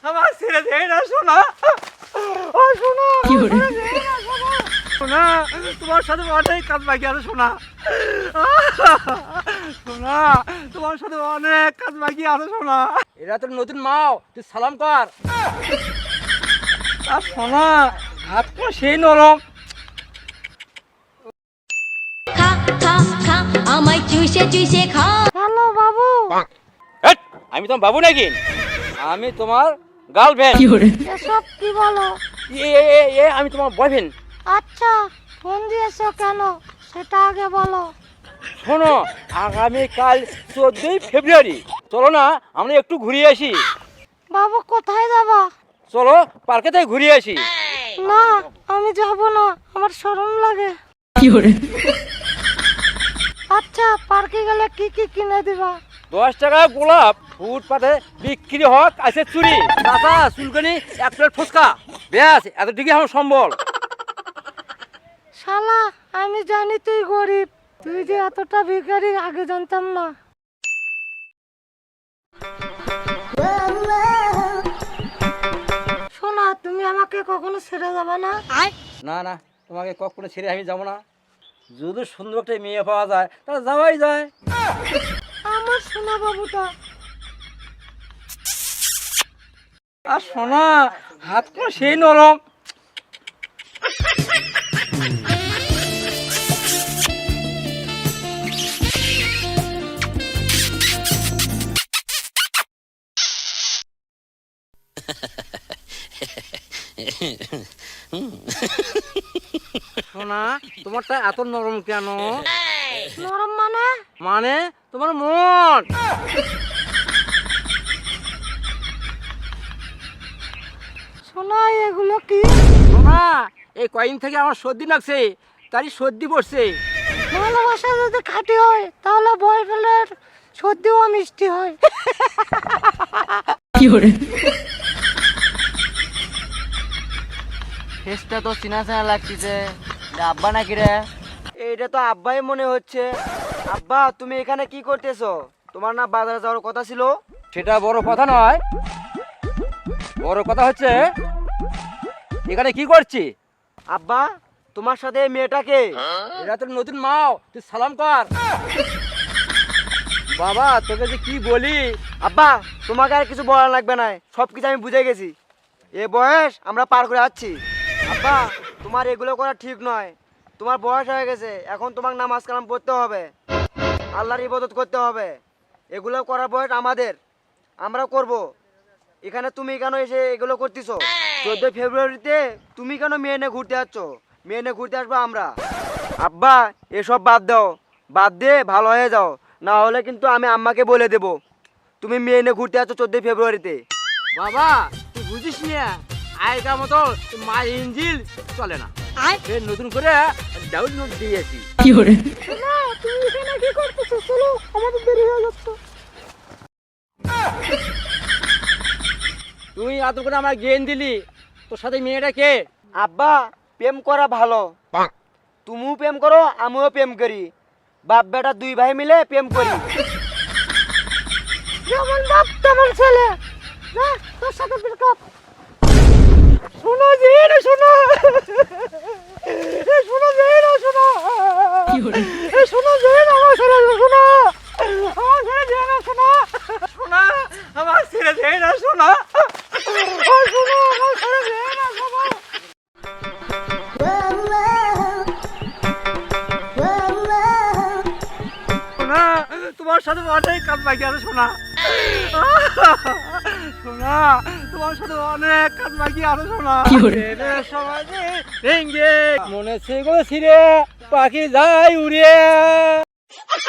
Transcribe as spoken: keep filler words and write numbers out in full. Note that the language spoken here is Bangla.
আমার ছেড়ে দে না সোনা। ও সোনা, সোনা তোমার সাথে অনেক কাজ বাকি আছে সোনা। সোনা তোমার সাথে অনেক কাজ বাকি আছে সোনা। এরা তোর নতুন মাও, তুই সালাম কর। আর সোনা হাত তো সেই নরম। খা খা খা আমায় চুষে চুষে খা। হ্যালো বাবু। আমি তোমার বাবু নাকি? আমি তোমার গার্লফ্রেন্ড। এসব কি বলো? এ এ এ আমি তোমার বয়ফ্রেন্ড। আচ্ছা ফোন দিয়েছো কেন সেটা আগে বলো। শোনো, আগামীকাল চোদ্দই ফেব্রুয়ারি চলো না আমরা একটু ঘুরিয়ে আসি। বাবু কোথায় যাবা? চলো পার্কে থেকে ঘুরিয়ে আসি। না আমি যাব না, আমার শরম লাগে। আচ্ছা পার্কে গেলে কি কি কিনে দিবা? দশ টাকা গোলাপ ফুটপাতে বিক্রি হোক আছে চুরি, চাচা চুলকানি, এক প্লেট ফুচকা, ব্যাস এতটুকু আমার সম্বল। শালা আমি জানি তুই গরিব, তুই যে এতটা ভিখারি আগে জানতাম না। শোনা তুমি আমাকে কখনো ছেড়ে যাবে না? না না, তোমাকে কখনো ছেড়ে আমি যাবো না। যদি সুন্দর একটা মেয়ে পাওয়া যায় তাহলে যাওয়াই যায়। আমার সোনা বাবুটা। আর সোনা হাত তো সেই নরম। সোনা তোমারটা এত নরম কেন? নরম মানে? মানে তোমার মন। শোনা এগুলো কি? সোনা এই কয়েকদিন থেকে আমার সর্দি লাগছে, তারই সর্দি পড়ছে। ভালোবাসা যদি খাঁটি হয় তাহলে বয়ফ্রেন্ডের সর্দিও মিষ্টি হয়। ফেসটা তো চিনা চিনা লাগতেছে, আব্বা নাকি রে? এইটা তো আব্বাই মনে হচ্ছে। আব্বা তুমি এখানে কি করতেছো? তোমার না বাজারে যাওয়ার কথা ছিল? সেটা বড় কথা নয়, বড় কথা হচ্ছে এখানে কি করছি। আব্বা তোমার সাথে এই মেয়েটাকে? এরা তোর নতুন মাও, তুই সালাম কর। বাবা তোকে যে কি বলি। আব্বা তোমাকে আর কিছু বলা লাগবে না, সব কিছু আমি বুঝে গেছি। এ বয়স আমরা পার করে যাচ্ছি। আব্বা তোমার এগুলো করা ঠিক নয়, তোমার বয়স হয়ে গেছে, এখন তোমাকে নামাজ কালাম পড়তে হবে, আল্লাহর ইবাদত করতে হবে। এগুলো করার বয়স আমাদের, আমরা করব। এখানে তুমি কেন এসে এগুলো করতেছো? চোদ্দোই ফেব্রুয়ারিতে তুমি কেন মেয়ে নিয়ে ঘুরতে যাচ্ছ? মেয়ে নিয়ে ঘুরতে আসবো আমরা। আব্বা এসব বাদ দাও, বাদ দিয়ে ভালো হয়ে যাও, না হলে কিন্তু আমি আম্মাকে বলে দেবো তুমি মেয়ে নিয়ে ঘুরতে যাচ্ছ চোদ্দোই ফেব্রুয়ারিতে। বাবা তুই বুঝিস না, আগেকার মতো মা ইঞ্জিল চলে না। ফের নতুন করে ডাউনলোড দিয়েছি। শোনা তুমি এখানে কি করতেছো? চলো আমাদের দেরি হয়ে যাচ্ছে। তুই এত করে আমার জ্ঞান দিলি, তোর সাথে মেয়েটা কে? আব্বা প্রেম করা ভালো, তুমিও প্রেম করো আমিও প্রেম করি, বাপ বেটা দুই ভাই মিলে প্রেম করি। যেমন বাপ তেমন ছেলে। না তোর সাথে ব্রেকআপ। শোনো যে না শোনো, শোনো যে না শোনো, শোনো যে না আমার ছেলে শোনো, আমার ছেলে যে না শোনো, শোনা আমার ছেলে যে না শোনা, শোনো আমার ছেলে যে না শোনো। শোনা তোমার সাথে অনেক কাজ বাকি আছে শোনা। শোনা তোমার সাথে অনেক কাজ বাকি আছে শোনা। সমাজে ভেঙ্গে মনে ছিড়ে পাখি যায় উড়ে।